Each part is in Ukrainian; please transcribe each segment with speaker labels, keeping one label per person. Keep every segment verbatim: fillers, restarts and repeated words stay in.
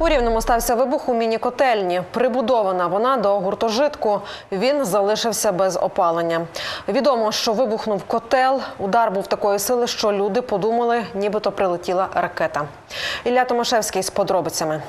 Speaker 1: У Рівному стався вибух у міні-котельні. Прибудована вона до гуртожитку. Він залишився без опалення. Відомо, що вибухнув котел. Удар був такої сили, що люди подумали, нібито прилетіла ракета. Ілля Томашевський з подробицями.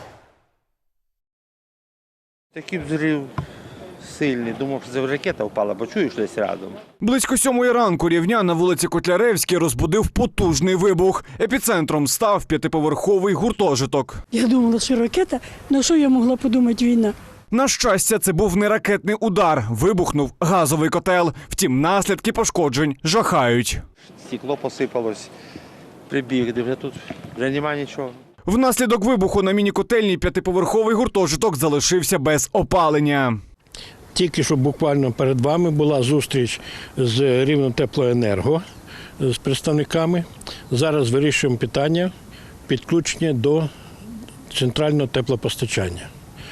Speaker 2: Такий взрив сильний. Думав, що це ракета впала, бо чуєш десь рядом.
Speaker 3: Близько сьомої ранку рівнян на вулиці Котляревській розбудив потужний вибух. Епіцентром став п'ятиповерховий гуртожиток.
Speaker 4: Я думала, що ракета, на що я могла подумати війна?
Speaker 3: На щастя, це був не ракетний удар. Вибухнув газовий котел. Втім, наслідки пошкоджень жахають.
Speaker 2: Стекло посипалось, прибіг, де вже тут вже немає нічого.
Speaker 3: Внаслідок вибуху на міні-котельні п'ятиповерховий гуртожиток залишився без опалення.
Speaker 5: Тільки що буквально перед вами була зустріч з Рівнетеплоенерго, з представниками. Зараз вирішуємо питання підключення до центрального теплопостачання.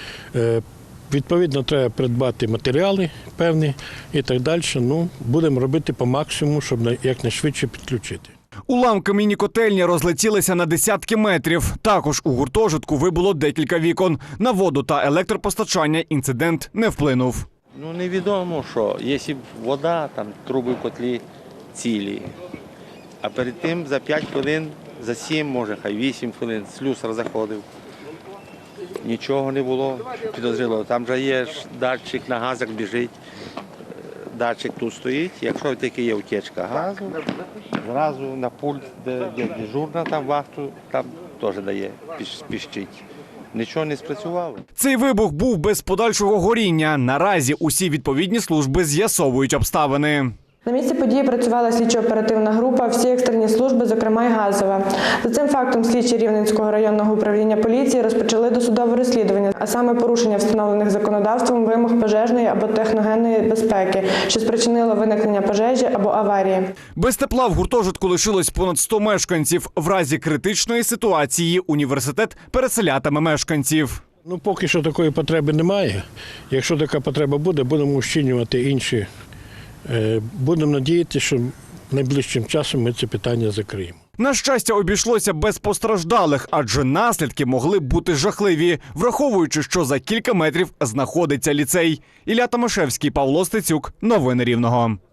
Speaker 5: Відповідно, треба придбати матеріали певні і так далі. Ну, будемо робити по максимуму, щоб якнайшвидше підключити.
Speaker 3: Уламки міні-котельні розлетілися на десятки метрів. Також у гуртожитку вибуло декілька вікон. На воду та електропостачання інцидент не вплинув.
Speaker 2: Ну, невідомо, що. Якщо вода, там труби в котлі цілі. А перед тим за п'ять хвилин, за сім, може, хай вісім хвилин слюсар заходив. Нічого не було підозрілого. Там же є датчик на газах біжить. Датчик тут стоїть. Якщо таки є утечка газу, зразу на пульт, де, де дежурна там вахту, там теж дає, піщить. Нічого не спрацювало.
Speaker 3: Цей вибух був без подальшого горіння. Наразі усі відповідні служби з'ясовують обставини.
Speaker 6: На місці події працювала слідчо-оперативна група, всі екстрені служби, зокрема й газова. За цим фактом слідчі Рівненського районного управління поліції розпочали досудове розслідування, а саме порушення встановлених законодавством вимог пожежної або техногенної безпеки, що спричинило виникнення пожежі або аварії.
Speaker 3: Без тепла в гуртожитку лишилось понад сто мешканців. В разі критичної ситуації університет переселятиме мешканців.
Speaker 5: Ну, поки що такої потреби немає. Якщо така потреба буде, будемо ущільнювати інші. Будемо надіятися, що найближчим часом ми це питання закриємо.
Speaker 3: На щастя, обійшлося без постраждалих, адже наслідки могли б бути жахливі, враховуючи, що за кілька метрів знаходиться ліцей. Ілля Томашевський, Павло Стецюк. Новини Рівного.